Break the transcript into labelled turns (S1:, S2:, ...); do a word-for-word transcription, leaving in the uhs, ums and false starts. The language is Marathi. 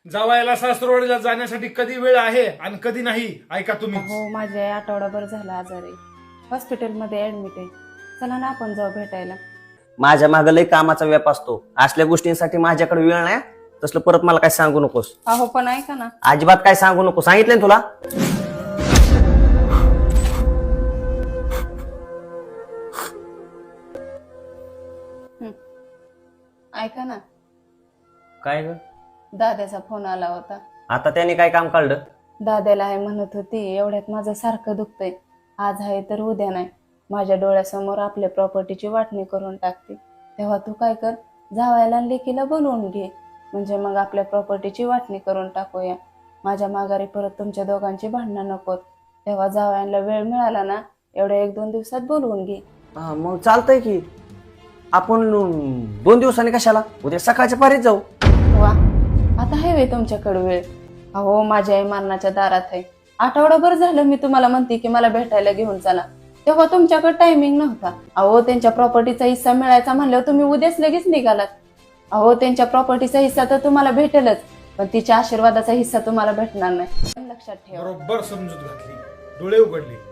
S1: जावायला सासरवाडीला जाण्यासाठी कधी वेळ आहे आणि कधी नाही ऐका तुम्ही.
S2: हो माझी आई आठवडाभर झाला आजारी, हॉस्पिटलमध्ये ऍडमिट आहे. चला ना आपण जाऊ भेटायला.
S3: माझ्या मागे लय कामाचा व्याप असतो, असल्या गोष्टींसाठी माझ्याकडे वेळ नाही. तसलं परत मला काय सांगू नकोस.
S2: अहो पण ऐका ना.
S3: अजिबात काय सांगू नको, सांगितलं ना तुला.
S2: ऐका ना,
S3: काय ग?
S2: दाद्याचा फोन आला होता.
S3: आता त्याने काय काम काढलं?
S2: दाद्याला आहे म्हणत होती, एवढ्यात माझं सारखं दुखतंय, आज आहे तर उद्या नाही, माझ्या डोळ्यासमोर आपल्या प्रॉपर्टीची वाटणी करून टाकते. तेव्हा तू काय कर, जावायला लेकीला बोलवून घे, म्हणजे मग आपल्या प्रॉपर्टीची वाटणी करून टाकूया. माझ्या माघारी परत तुमच्या दोघांची भांडणं नकोत. तेव्हा जावयाला वेळ मिळाला ना, एवढ्या एक दोन दिवसात बोलवून घे.
S3: हा, मग चालतंय की. आपण दोन दिवसांनी कशाला, उद्या सकाळच्या पारीत जाऊ.
S2: वा, आता आहे वे तुमच्याकडे वेळ. अहो माझ्या आई मरणाच्या दारात आहे. आठवडाभर झालं मी तुम्हाला म्हणते की मला भेटायला घेऊन चला, तेव्हा तुमच्याकडे टायमिंग नव्हता. अहो त्यांच्या प्रॉपर्टीचा हिस्सा मिळायचा म्हणल्यावर तुम्ही उद्याच लगेच निघालात. अहो त्यांच्या प्रॉपर्टीचा हिस्सा तर तुम्हाला भेटेलच, पण तिच्या आशीर्वादाचा हिस्सा तुम्हाला भेटणार नाही, लक्षात ठेवा.
S1: बरोबर समजूत घातली, डोळे उघडले.